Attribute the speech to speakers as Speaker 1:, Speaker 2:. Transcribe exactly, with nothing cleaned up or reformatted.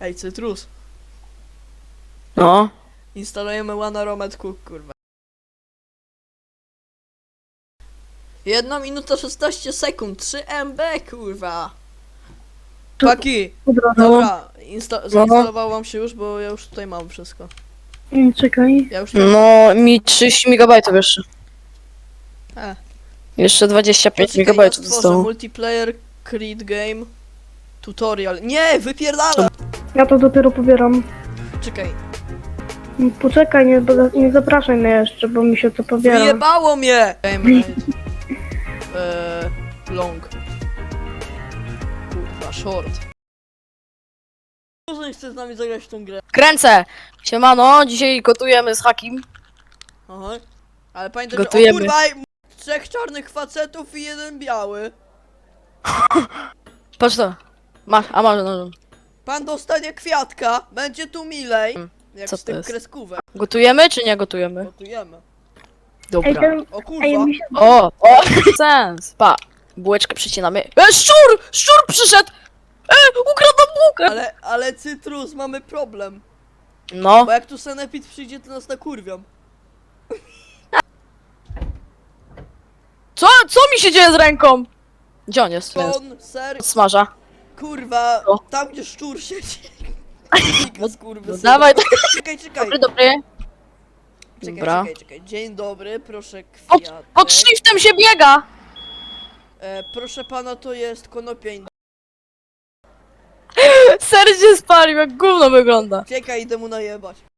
Speaker 1: Ej, Cytrus.
Speaker 2: No.
Speaker 1: Instalujemy One Romet Cook, kurwa. Jedna minuta szesnaście sekund, trzy M B, kurwa.
Speaker 3: Tu-
Speaker 1: Paki,
Speaker 3: Dobra,
Speaker 1: dobra, insta zainstalowało wam się już, bo ja już tutaj mam wszystko.
Speaker 3: no. Czekaj.
Speaker 1: Ja już
Speaker 2: No, mi trzydzieści megabajtów jeszcze.
Speaker 1: E.
Speaker 2: Jeszcze dwadzieścia pięć
Speaker 1: Poczekaj,
Speaker 2: megabajtów
Speaker 1: ja stworzę
Speaker 2: zostało.
Speaker 1: multiplayer, create game, tutorial. Nie, wypierdala!
Speaker 3: Ja to dopiero pobieram.
Speaker 1: Czekaj,
Speaker 3: Poczekaj, nie, nie zapraszaj mnie jeszcze, bo mi się to pobiera.
Speaker 1: wyjebało mnie! Game rate. Eee, long. Kurwa, short. Może nie chce z nami zagrać w tą grę.
Speaker 2: Kręcę! Siemano, dzisiaj gotujemy z Hakim.
Speaker 1: Aha. Ale pamiętaj, że o
Speaker 2: Gotujemy.
Speaker 1: kurwa, m- trzech czarnych facetów i jeden biały.
Speaker 2: Patrz to. Masz, a masz, no.
Speaker 1: Pan dostanie kwiatka, będzie tu milej. Jak
Speaker 2: Co
Speaker 1: z
Speaker 2: to
Speaker 1: tym
Speaker 2: jest?
Speaker 1: kreskówem.
Speaker 2: Gotujemy czy nie gotujemy?
Speaker 1: Gotujemy.
Speaker 3: Ej,
Speaker 2: Dobra.
Speaker 3: ten,
Speaker 1: O
Speaker 3: ej,
Speaker 1: kurwa.
Speaker 3: mi się...
Speaker 2: O, o, sens. Pa, bułeczkę przycinamy. E, szczur! Szczur przyszedł! E, ukradł nam bułkę!
Speaker 1: Ale, ale Cytrus, mamy problem.
Speaker 2: No,
Speaker 1: Bo jak tu Sanepid przyjdzie, to nas nakurwią.
Speaker 2: co, co mi się dzieje z ręką? Gdzie on jest? Jest.
Speaker 1: Kon, ser,
Speaker 2: Smaża.
Speaker 1: kurwa,
Speaker 2: O.
Speaker 1: tam gdzie szczur siedzi. Nikas, kurwa,
Speaker 2: No
Speaker 1: synu.
Speaker 2: dawaj,
Speaker 1: Czekaj, czekaj.
Speaker 2: dobry, dobry.
Speaker 1: Czekaj,
Speaker 2: Dobra.
Speaker 1: czekaj, czekaj. Dzień dobry, proszę
Speaker 2: Pod,
Speaker 1: kwiatek.
Speaker 2: pod shiftem się biega!
Speaker 1: E, proszę pana, to jest konopia indyjska.
Speaker 2: Ser się spalił, jak gówno wygląda.
Speaker 1: Czekaj, idę mu najebać.